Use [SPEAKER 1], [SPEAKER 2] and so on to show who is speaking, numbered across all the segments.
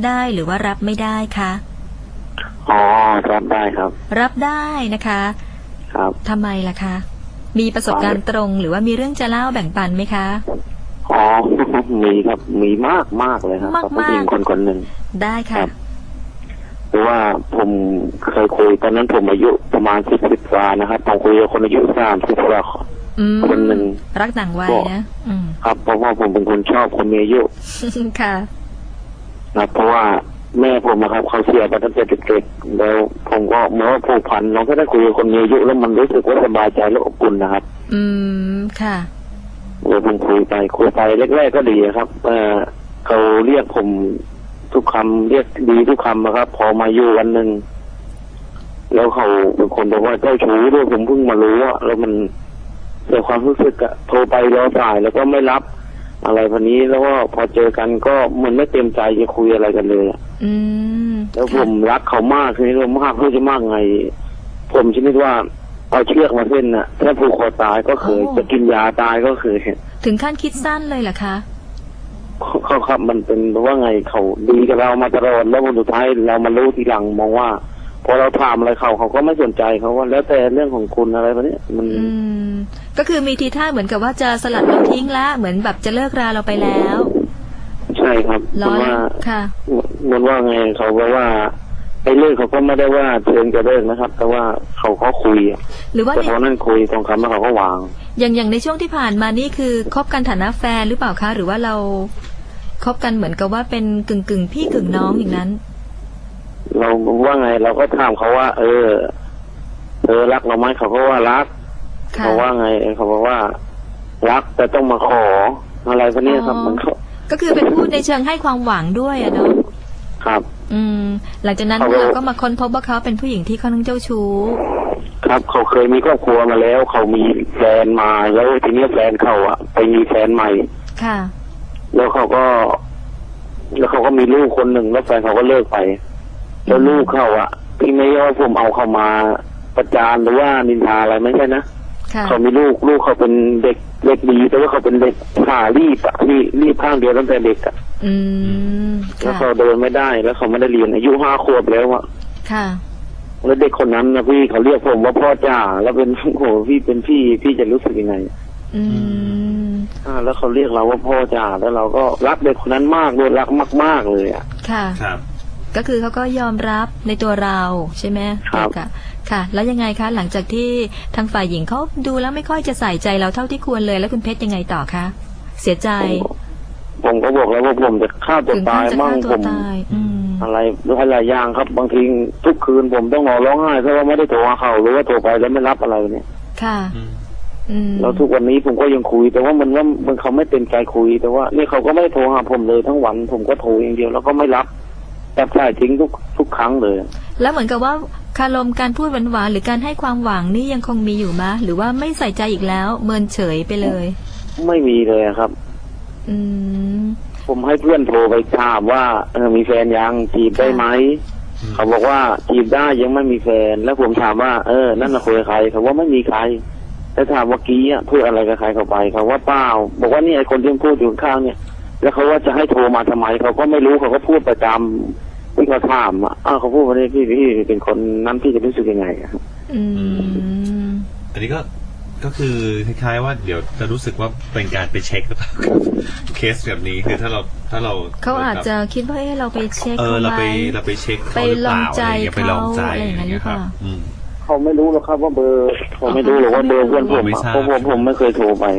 [SPEAKER 1] ได้หรือว่ารับไม่ได้คะ
[SPEAKER 2] อ๋อรับได้ครับ
[SPEAKER 1] รับได้นะคะ
[SPEAKER 2] ครับ
[SPEAKER 1] ทำไมล่ะคะมีประสบการณ์ตรงหรือว่ามีเรื่องจะเล่าแบ่งปันไหมคะ
[SPEAKER 2] อ๋อมีครับมีมากเลยครับกับผู้หญิงคนหนึ่ง
[SPEAKER 1] ได้ค่ะ
[SPEAKER 2] เพราะว่าผมเคยคุยตอนนั้นผมอายุประมาณ10 กว่านะครับผมคุยกับคนอายุ30 กว่าคนหนึ่ง
[SPEAKER 1] รักต่างวัย
[SPEAKER 2] นะครับเพราะว่าผมเป็นคนชอบคนมีอายุ
[SPEAKER 1] ค่ะ
[SPEAKER 2] นะเพราะว่าแม่ผมนะครับเขาเสียไปตั้งแต่เด็กๆแล้วผมก็เมื่อผูกพันน้องก็ได้คุยกับคนมีอายุแล้วมันรู้สึกว่าสบายใจและอบอุ่นนะครับ
[SPEAKER 1] ค่ะ
[SPEAKER 2] เดี๋ยวผมคุยไปแรกๆก็ดีครับเขาเรียกผมทุกคำเรียกดีทุกคำนะครับพอมาอยู่วันหนึ่งแล้วเขาเป็นคนบอกว่าเจ้าชู้ด้วยผมเพิ่งมารู้ว่าแล้วมันเสียความรู้สึกอะโทรไปรอสายแล้วก็ไม่รับอะไรแบบนี้แล้วก็พอเจอกันก็มันไม่เต็มใจจะคุยอะไรกันเลยแล้วผมรักเขามากคือเรามากเพื่อจะมากไงผมชนิดว่าเอาเชือกมาเส้นน่ะถ้าผูกคอตายก็เคยจะกินยาตายก็เคย
[SPEAKER 1] ถึงขั้นคิดสั้นเลยเหรอคะ
[SPEAKER 2] เขาครับมันเป็นว่าไงเขาดีกับเรามาตลอดแล้ววันสุดท้ายเรามารู้ทีหลังมองว่าพอเราถามอะไรเขาก็ไม่สนใจเขาว่าแล้วแต่เรื่องของคุณอะไรแบบนี้มัน
[SPEAKER 1] ก็คือมีทีท่าเหมือนกับว่าจะสลัดเราทิ้งละเหมือนแบบจะเลิกราเราไปแล้ว
[SPEAKER 2] ใช่ครับ
[SPEAKER 1] เพราะว่าค่ะ
[SPEAKER 2] มันว่าไงเขาบอกว่าไอ้เรื่องเขาก็ไม่ได้ว่าเชิงจะเลิกนะครับแต่ว่าเขาก็คุย
[SPEAKER 1] หรือว่า
[SPEAKER 2] แต่พอนั่นคุยตรงคำแล้วเขาก็วาง
[SPEAKER 1] อย่างในช่วงที่ผ่านมานี่คือคบกันฐานะแฟนหรือเปล่าคะหรือว่าเราคบกันเหมือนกับว่าเป็นกึ่งพี่กึ่งน้องอย่างนั้น
[SPEAKER 2] เราว่าไงเราก็ถามเขาว่ารักเราไหมเขาก็ว่ารักเขาว่าไงเขาบอกว่ารักแต่ต้องมาขออะไรพวกนี้ครับมัน
[SPEAKER 1] ก็คือเป็นพูดในเชิงให้ความหวังด้วยอะเนาะ
[SPEAKER 2] ครับ
[SPEAKER 1] หลังจากนั้นเราก็มาค้นพบว่าเขาเป็นผู้หญิงที่ค่อนข้างเจ้าชู้
[SPEAKER 2] ครับเขาเคยมีครอบครัวมาแล้วเขามีแฟนมาแล้วทีนี้แฟนเขาอะไปมีแฟนใหม่
[SPEAKER 1] ค่ะ
[SPEAKER 2] แล้วเขาก็มีลูกคนหนึ่งแล้วแฟนเขาก็เลิกไปแล้วลูกเขาอะที่ไม่ว่าผมเอาเขามาประจานหรือว่านินทาอะไรไม่ใช่นะเขามีลูกเขาเป็นเด็กดีแต่ว่าเขาเป็นเด็กขารีบข้างเดียวตั้งแต่เด็กอะแล้วเขาเดินไม่ได้แล้วเขาไม่ได้เรียนอายุ5 ขวบแล้วอะ
[SPEAKER 1] ค่ะ
[SPEAKER 2] แล้วเด็กคนนั้นนะพี่เขาเรียกผมว่าพ่อจ่าแล้วเป็นโหพี่เป็นพี่จะรู้สึกยังไงแล้วเขาเรียกเราว่าพ่อจ่าแล้วเราก็รักเด็กคนนั้นมากเลยรักมากๆเลยอ่ะ
[SPEAKER 1] ค่ะครับก็คือเขาก็ยอมรับในตัวเราใช่ไหม
[SPEAKER 2] ครับ
[SPEAKER 1] ค่ะแล้วยังไงคะหลังจากที่ทางฝ่ายหญิงเขาดูแล้วไม่ค่อยจะใส่ใจเราเท่าที่ควรเลยแล้วคุณเพชรยังไงต่อคะเสียใจ
[SPEAKER 2] ผมก็บอกแล้วว่าผมจะฆ่าตัวตายมั่งผมอะไรหลายอย่างครับบางทีทุกคืนผมต้องนอนร้องไห้เพราะว่าไม่ได้โทรหาเขาหรือว่าโทรไปแล้วไม่รับอะไรเนี่ย
[SPEAKER 1] ค่ะ
[SPEAKER 2] แล้วทุกวันนี้ผมก็ยังคุยแต่ว่ามันเขาไม่เป็นใจคุยแต่ว่านี่เขาก็ไม่โทรหาผมเลยทั้งวันผมก็โทรอย่างเดียวแล้วก็ไม่รับตัดสายทิ้งทุกครั้งเลย
[SPEAKER 1] แล้วเหมือนกับว่าคารมการพูดหวานๆหรือการให้ความหวังนี่ยังคงมีอยู่มะหรือว่าไม่ใส่ใจอีกแล้วเมินเฉยไปเลย
[SPEAKER 2] ไม่มีเลยครับผมให้เพื่อนโทรไปถามว่ามีแฟนยังจีบได้ไหมเขาบอกว่าจีบได้ยังไม่มีแฟนแล้วผมถามว่านั่นน่ะคุยกับใครเขาว่าไม่มีใครแล้วถามว่ากี้พูดอะไรกับใครเข้าไปเขาว่าเปล่าบอกว่านี่ไอ้คนที่พูดอยู่ข้างเนี่ยแล้วเขาว่าจะให้โทรมาทำไมเขาก็ไม่รู้เขาก็พูดประจำที่เขาถามเขาพูดว่าพี่เป็นคนนั้นพี่จะรู้สึกยังไง
[SPEAKER 3] อันนี้ก็คือคล้ายๆว่าเดี๋ยวจะรู้สึกว่าเป็นการไปเช็คหรือเปล่าเคสแบบนี้คือถ้าเรา
[SPEAKER 1] เขาอาจจะคิดว่าเราไปเช็ค
[SPEAKER 3] เราไปเช็ค
[SPEAKER 1] ไปลองใจ
[SPEAKER 3] ไปลองใจอะไรอย่างเงี้ยครับ
[SPEAKER 2] เขาไม่รู้หรอกครับว่าเบอร์เขาไม่รู้หรอกว่าเบอร์เพื่อนผมเพราะผมไม่เคยโทรไป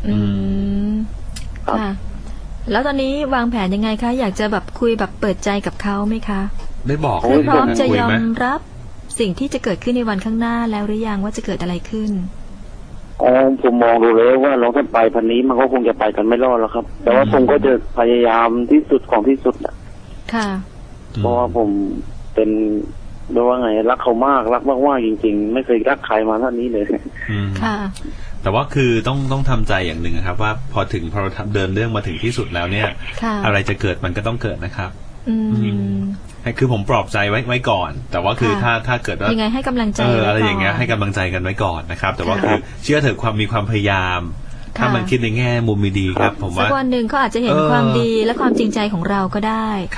[SPEAKER 1] ค่ะแล้วตอนนี้วางแผนยังไงคะอยากจะแบบคุยแบบเปิดใจกับเขาไหมคะ
[SPEAKER 3] ได้บอก
[SPEAKER 1] พร้อมจะยอมรับสิ่งที่จะเกิดขึ้นในวันข้างหน้าแล้วหรือยังว่าจะเกิดอะไรขึ้น
[SPEAKER 2] ผมมองดูเลยว่าเราถ้าไปพันนี้มันก็คงจะไปกันไม่รอดแล้วครับแต่ว่าผมก็จะพยายามที่สุดของที่สุดอ่ะ
[SPEAKER 1] ค่ะ
[SPEAKER 2] เพราะว่าผมเป็นเรียกว่าไงรักเขามากจริงๆไม่เคยรักใครมาเท่านี้เลย
[SPEAKER 1] ค่ะ
[SPEAKER 3] แต่ว่าคือต้องทำใจอย่างหนึ่งครับว่าพอเราเดินเรื่องมาถึงที่สุดแล้วเนี่ยอะไรจะเกิดมันก็ต้องเกิดนะครับคือผมปลอบใจไว้ก่อนแต่ว่าคือถ้าเกิดว่า
[SPEAKER 1] ยังไงให้กำลังใจ
[SPEAKER 3] อะไรอย่างเงี้ยให้กำลังใจกันไว้ก่อนนะครับแต่ว่าคือเชื่อเถอะมีความพยายามถ้ามันคิดในแง่มุมดีครับผมว่า
[SPEAKER 1] สักวันหนึ่งเขาอาจจะเห็นความดีและความจริงใจของเราก็ได้
[SPEAKER 3] ครับ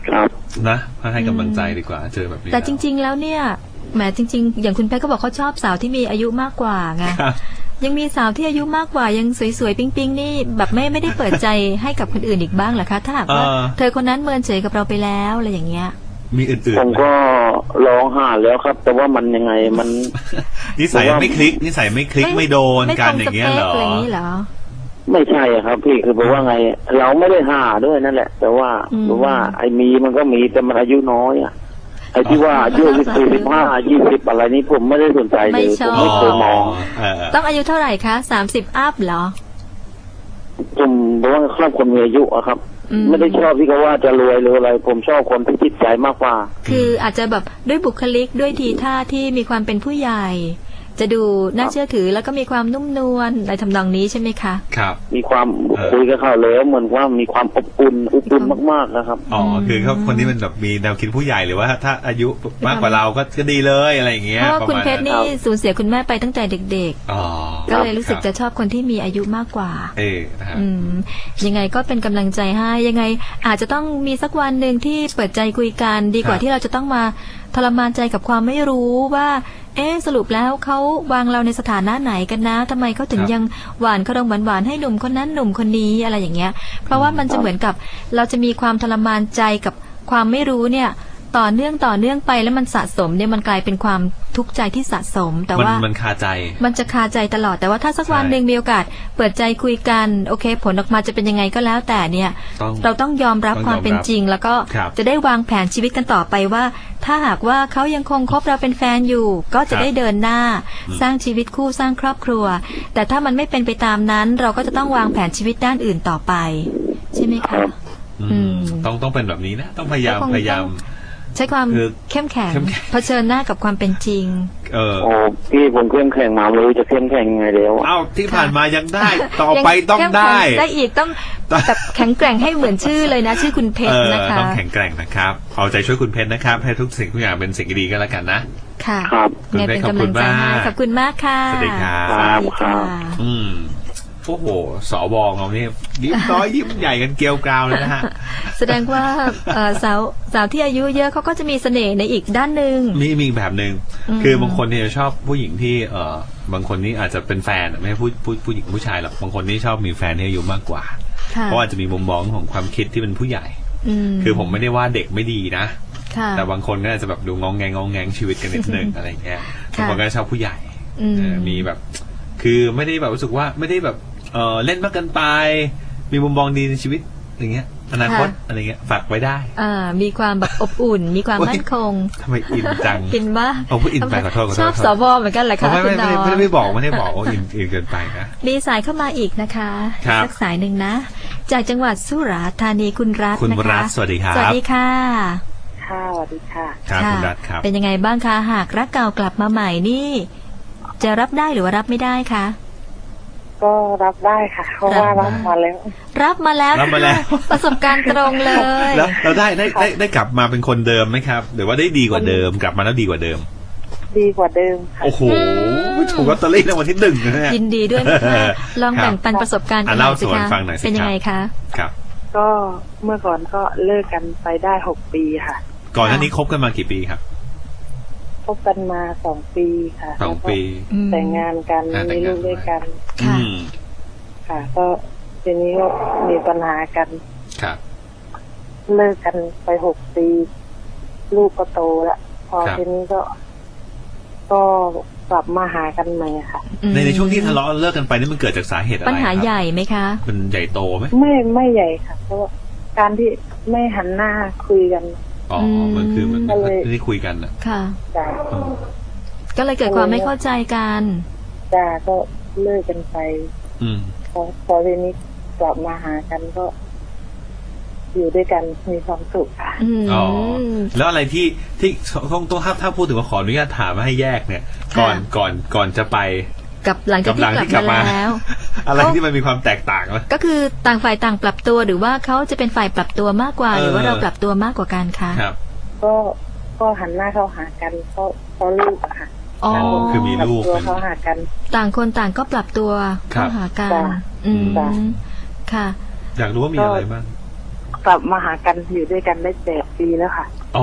[SPEAKER 2] ครับ
[SPEAKER 3] นะให้กำลังใจดีกว่าเจอแบบนี้
[SPEAKER 1] แต่จริง ๆ แล้วเนี่ยแหมจริง ๆ อย่างคุณเพชรก็บอกเขาชอบสาวที่มีอายุมากกว่าไง
[SPEAKER 3] ครับ
[SPEAKER 1] ยังมีสาวที่อายุมากกว่ายังสวยๆปิ๊งๆนี่แบบไม่ได้เปิดใจให้กับคนอื่นอีกบ้างเหรอคะถ้าหากว่าเธอคนนั้นเมินเฉยกับเราไปแล้วอะไรอย่างเงี้ย
[SPEAKER 3] มีอื่นๆ
[SPEAKER 2] ผมก็ลองหาแล้วครับ แต่ว่ามันยังไงมัน
[SPEAKER 3] นิสัยไม่คลิกไม่โดนกันอย่างเงี้ยเหรอ
[SPEAKER 1] ไม่ตรงสเปคอะไรอย่างนี้เหรอ
[SPEAKER 2] ไม่ใช่ครับพี่คือแปลว่าไง เราไม่ได้หาด้วยนั่นแหละ แต่ว่าหรือว่าไอ้มีมันก็มีแต่มันอายุน้อยอ่ะไอ้ที่ว่าอายุ15 20อะไรนี้ผมไม่ได้สนใจเลยผมไม่เคยมอง
[SPEAKER 1] ต้องอายุเท่าไหร่คะ30 อัพเหรอ
[SPEAKER 2] ผมบอกว่าชอบคนมีอายุอะครับ ไม่ได้ชอบที่เขาว่าจะรวยหรืออะไร ผมชอบคนที่จิตใจมากกว่า
[SPEAKER 1] คืออาจจะแบบด้วยบุคลิกด้วยทีท่าที่มีความเป็นผู้ใหญ่ จะดูน่าเชื่อถือแล้วก็มีความนุ่มนวลในทำนองนี้ใช่ไหมคะ
[SPEAKER 3] ครับ
[SPEAKER 2] มีความคุยกับเขาแล้วเหมือนว่ามีความอบอุ่นมากๆนะครับ
[SPEAKER 3] อ๋อคือเขาคนที่มันแบบมีแนวคิดผู้ใหญ่หรือว่าถ้าอายุมากกว่าเราก็ดีเลยอะไรอย่างเงี้ย
[SPEAKER 1] เพราะว่าคุณเพชรนี่สูญเสียคุณแม่ไปตั้งแต่เด็กๆก็เลยรู้สึกจะชอบคนที่มีอายุมากกว่ายังไงก็เป็นกำลังใจให้ยังไงอาจจะต้องมีสักวันหนึ่งที่เปิดใจคุยกันดีกว่าที่เราจะต้องมาทรมานใจกับความไม่รู้ว่าสรุปแล้วเขาวางเราในสถานะไหนกันนะทำไมเขาถึงยังหวานขนมหวานให้หนุ่มคนนั้นหนุ่มคนนี้อะไรอย่างเงี้ยเพราะว่ามันจะเหมือนกับเราจะมีความทรมานใจกับความไม่รู้เนี่ยต่อเนื่องไปแล้วมันสะสมเนี่ยมันกลายเป็นความทุกข์ใจที่สะสมแต่ว่า
[SPEAKER 3] มันคาใจ
[SPEAKER 1] มันจะคาใจตลอดแต่ว่าถ้าสักวันหนึ่งมีโอกาสเปิดใจคุยกันโอเคผลออกมาจะเป็นยังไงก็แล้วแต่เนี่ยเราต้องยอมรับความเป็นจริงแล้วก็จะได้วางแผนชีวิตกันต่อไปว่าถ้าหากว่าเขายังคงคบเราเป็นแฟนอยู่ก็จะได้เดินหน้าสร้างชีวิตคู่สร้างครอบครัวแต่ถ้ามันไม่เป็นไปตามนั้นเราก็จะต้องวางแผนชีวิตด้านอื่นต่อไปใช่ไหมคะ
[SPEAKER 3] ต้องเป็นแบบนี้นะต้องพยายาม
[SPEAKER 1] ใช้ความเข้มแข็งเผชิญหน้ากับความเป็นจริง
[SPEAKER 2] พี่ผมเข้มแข็งมาไม่รู้จะเข้มแข็งยังไงแล้ว
[SPEAKER 3] ที่ผ่านมายังได้ต่อไปต้องได้
[SPEAKER 1] อีกต้องแบบแข็งแกร่งให้เหมือนชื่อเลยนะชื่อคุณเพชรนะคะ
[SPEAKER 3] ต้องแข็งแกร่งนะครับเอาใจช่วยคุณเพชรนะครับให้ทุกสิ่งทุกอย่างเป็นสิ่งดีก็แล้วกันนะ
[SPEAKER 1] ค่ะ
[SPEAKER 3] คุณเพชรขอบคุณมาก
[SPEAKER 1] ขอบคุณมากค่ะ
[SPEAKER 3] สวัสดีครับโอ้โหสวเราเนี่ยยิ้มน้อยยิ้มใหญ่กันเกลียวกราวเลยนะฮะ
[SPEAKER 1] แสดงว่าสาวที่อายุเยอะเขาก็จะมีเสน่ห์ในอีกด้านหนึ่ง
[SPEAKER 3] มีแบบหนึ่งคือบางคนเนี่ยชอบผู้หญิงที่บางคนนี่อาจจะเป็นแฟนไม่ใช่ผู้หญิงผู้ชายหรอกบางคนนี่ชอบมีแฟนที่อายุมากกว่าเพราะอาจจะมีมุมมองของความคิดที่เป็นผู้ใหญ่คือผมไม่ได้ว่าเด็กไม่ดีนะแต่บางคนก็อาจจะแบบดูงองแงชีวิตกันนิดนึงอะไรเงี้ยบางคนก็ชอบผู้ใหญ่มีแบบคือไม่ได้แบบรู้สึกว่าไม่ได้แบบเล่นมากเกินไปมีมุมมองดีในชีวิตอย่างเงี้ยอนาคตอะไรเงี้ยฝากไว้ได้
[SPEAKER 1] มีความแบบอบอุ่นมีความมั่นคง
[SPEAKER 3] ทำไมอินจัง
[SPEAKER 1] อินมาก
[SPEAKER 3] พูดอินไปขอโทษ
[SPEAKER 1] ชอบสวเหมือนกันแหละค่ะ
[SPEAKER 3] ไม่บอกว่าอินเกินไปนะ
[SPEAKER 1] มีสายเข้ามาอีกนะคะสักสายหนึ่งนะจากจังหวัดสุราษฎร์ธานีคุณรัตน์นะคะ
[SPEAKER 3] สวัสดีครับ
[SPEAKER 1] สวัสดีค่ะ
[SPEAKER 4] ค่ะสวัสดีค่ะ
[SPEAKER 3] ครับคุณรัตน์ครับ
[SPEAKER 1] เป็นยังไงบ้างคะหากรักเก่ากลับมาใหม่นี่จะรับได้หรือว่ารับไม่ได้คะ
[SPEAKER 4] ก็รับได้ค่ะเพราะว่ารับมาแล้ว
[SPEAKER 1] ประสบการณ์ตรงเลย
[SPEAKER 3] แล้วเราได้กลับมาเป็นคนเดิมไหมครับหรือว่าได้ดีกว่าเดิมกลับมาแล้วดีกว่าเดิม
[SPEAKER 4] ดีกว่าเดิมค่ะ
[SPEAKER 3] โอ้โหถูกลอตเตอรี่รางวัลที่1นะฮะ
[SPEAKER 1] ยินดีด้วยมากลองแบ่งปันประสบการณ์กันหน่อยสิคะเป็นยังไงคะ
[SPEAKER 3] ครับ
[SPEAKER 4] ก็เมื่อก่อนก็เลิกกันไปได้6 ปีค่ะ
[SPEAKER 3] ก่อนหน้านี้คบกันมากี่ปีครับ
[SPEAKER 4] คบกันมา2 ปีค่ะ
[SPEAKER 3] 2 ปี
[SPEAKER 4] แต่งงานกันมีลูกด้วยกันค่ะก็ทีนี้ก็มีปัญหากัน
[SPEAKER 3] ครับ
[SPEAKER 4] เลิกกันไป6 ปีลูกก็โตแล้วพอทีนี้ก็กลับมาหากันใหม่ค่ะ
[SPEAKER 3] ในช่วงที่ทะเลาะเลิกกันไปนี่มันเกิดจากสาเหตุอะไร
[SPEAKER 1] ปัญหาใหญ่ไหมคะ
[SPEAKER 3] มันใหญ่โตไหม
[SPEAKER 4] ไม่ใหญ่ค่ะเพราะการที่ไม่หันหน้าคุยกัน
[SPEAKER 3] มันคือมันไม่ได้คุยกันอ่ะ
[SPEAKER 1] ค่ะก็เลยเกิดความไม่เข้าใจกัน
[SPEAKER 4] ก็เลิกกันไปพอทีนี้กลับมาหากันก็อยู่ด้วยกันมีความสุขค่ะ
[SPEAKER 3] แล้วอะไรที่ต้องถ้าพูดถึงว่าขออนุญาตถามให้แยกเนี่ยก่อนจะไป
[SPEAKER 1] กับหลังจากที่กลับมาแล้ว
[SPEAKER 3] อะไรที่มันมีความแตกต่างไหม
[SPEAKER 1] ก็คือต่างฝ่ายต่างปรับตัวหรือว่าเขาจะเป็นฝ่ายปรับตัวมากกว่าหรือว่าเราปรับตัวมากกว่ากันคะ
[SPEAKER 3] ครับ
[SPEAKER 4] ก็หันหน้าเข้าหากันเพราะลูกค่ะ
[SPEAKER 3] คือมีลูก
[SPEAKER 4] เข้าหากัน
[SPEAKER 1] ต่างคนต่างก็ปรับตัวเข้าหากันค่ะ
[SPEAKER 3] อยากรู้ว่ามีอะไรบ้าง
[SPEAKER 4] กลับมาหากันอยู่ด้วยกันได้8 ปีแล้วค่ะ
[SPEAKER 3] อ๋อ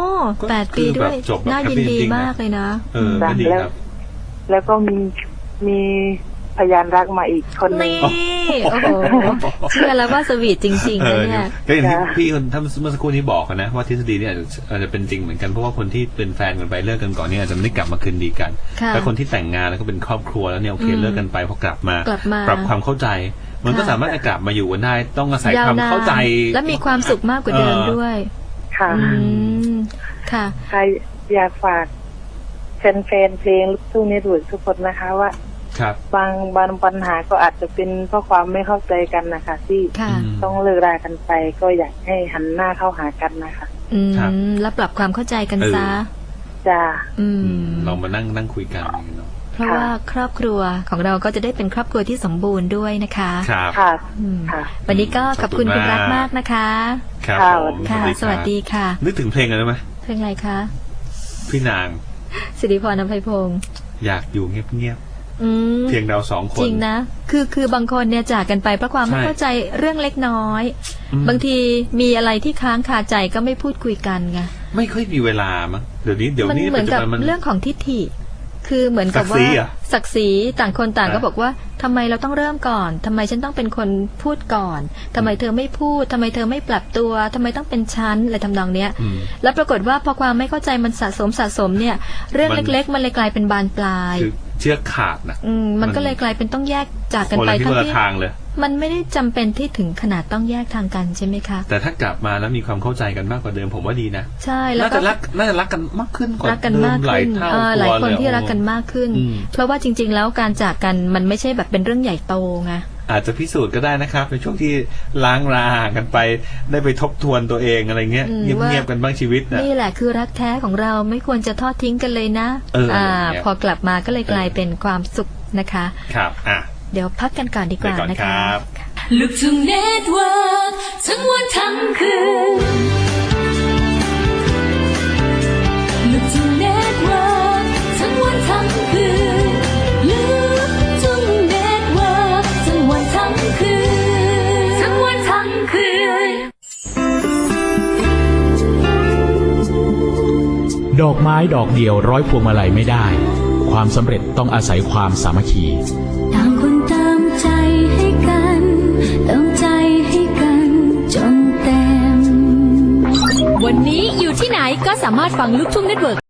[SPEAKER 1] 8 ปีด้วยน่ายินดีมากเลยนะ
[SPEAKER 3] ก็ดีครับ
[SPEAKER 4] แล้วก็มีพยานรักมาอีกคนนึง
[SPEAKER 1] นี่โอ้โหเชื่อแล้วว่าสวีทจริงๆนะเนี่ย
[SPEAKER 3] ก็อย่างที่พี่คนท่านเมื่อสักครู่นี้บอกนะว่าทฤษฎีเนี่ยอาจจะเป็นจริงเหมือนกันเพราะว่าคนที่เป็นแฟนกันไปเลิกกันก่อนเนี่ยอาจจะไม่ได้กลับมาคืนดีกันแต่คนที่แต่งงานแล้วก็เป็นครอบครัวแล้วเนี่ยโอเคเลิกกันไปพอกลับมาปรับความเข้าใจมันก็สามารถจะกลับมาอยู่กันได้ต้องอาศัยความเข้าใจ
[SPEAKER 1] และมีความสุขมากกว่าเดิมด้วย
[SPEAKER 4] ค่ะ
[SPEAKER 1] ค่ะ
[SPEAKER 4] ใครอยากฝากแฟนเพลงลูกทุ่งเน็ตเวิร์คทุกคนนะคะว่าบางปัญหาก็อาจจะเป็นเพราะความไม่เข้าใจกันนะคะที่ต้องเลิกรากันไปก็อยากให้หันหน้าเข้าหากันนะคะ
[SPEAKER 1] แล้วปรับความเข้าใจกันซะ
[SPEAKER 4] จ้า
[SPEAKER 3] เรามานั่งคุยกัน
[SPEAKER 1] เพราะว่าครอบครัวของเราก็จะได้เป็นครอบครัวที่สมบูรณ์ด้วยนะคะ
[SPEAKER 3] ค่ะ
[SPEAKER 1] วันนี้ก็ขอบคุณคุณรักมากนะคะ
[SPEAKER 3] ค่ะ
[SPEAKER 1] สวัสดีค่ะ
[SPEAKER 3] นึกถึงเพลงอะไรไหม
[SPEAKER 1] เพลงอะไรคะ
[SPEAKER 3] พี่นาง
[SPEAKER 1] สิริพร อภัยพงศ์
[SPEAKER 3] อยากอยู่เงียบเพียงเรา2 คน
[SPEAKER 1] จริงนะคือบางคนเนี่ยจากกันไปเพราะความไม่เข้าใจเรื่องเล็กน้อยบางทีมีอะไรที่ค้างคาใจก็ไม่พูดคุยกันไง
[SPEAKER 3] ไม่ค่อยมีเวลามั้งเดี๋ยวนี้
[SPEAKER 1] เหมือนกับเรื่องของทิฏฐิคือเหมือนกับว่าศักดิ์ศรีต่างคนต่างก็บอกว่าทำไมเราต้องเริ่มก่อนทำไมฉันต้องเป็นคนพูดก่อนทำไมเธอไม่พูดทำไมเธอไม่ปรับตัวทำไมต้องเป็นฉันอะไรทำนองเนี้ยแล้วปรากฏว่าพอความไม่เข้าใจมันสะสมเนี่ยเรื่องเล็กๆมันเลยกลายเป็นบานปลาย
[SPEAKER 3] เชือกขาดนะ
[SPEAKER 1] มันก็เลยกลายเป็นต้องแยกจากกันไป
[SPEAKER 3] ทั้งที่
[SPEAKER 1] มันไม่ได้จำเป็นที่ถึงขนาดต้องแยกทางกันใช่ไหมคะ
[SPEAKER 3] แต่ถ้ากลับมาแล้วมีความเข้าใจกันมากกว่าเดิมผมว่าดีนะ
[SPEAKER 1] ใช่แล้ว
[SPEAKER 3] น่าจะรักกันมากขึ้นกว่าเดิมหลายเท่า
[SPEAKER 1] หลายคนที่รักกันมากขึ้นเพราะว่าจริงๆแล้วการจากกันมันไม่ใช่แบบเป็นเรื่องใหญ่โตไง
[SPEAKER 3] อาจจะพิสูจน์ก็ได้นะครับในช่วงที่ล้างรากันไปได้ไปทบทวนตัวเองอะไรเงี้ยเงียบๆกันบ้างชีวิต
[SPEAKER 1] นี่แหละคือรักแท้ของเราไม่ควรจะทอดทิ้งกันเลยนะพอกลับมาก็เลยกลายเป็นความสุขนะคะ
[SPEAKER 3] ครับ
[SPEAKER 1] เดี๋ยวพักกันก่อนดีกว่านะคะ
[SPEAKER 5] ลูกทุ่งเน็ตเวิร์กทั้งวันทั้งคืนลูกทุ่งเน็ตเวิร์กทั้งวันทั้งคืนลูกทุ่งเน็ตเวิร์กทั้งวันทั้งคืนทั้งวันทั้งคืน
[SPEAKER 6] ดอกไม้ดอกเดียวร้อยพวงมาลัยไม่ได้ความสำเร็จต้องอาศัยความสามัคคี
[SPEAKER 5] ต่างคนตามใจให้กันเติมใจให้กันจนเต็มวันนี้อยู่ที่ไหนก็สามารถฟังลูกทุ่งเน็ตเวิร์ก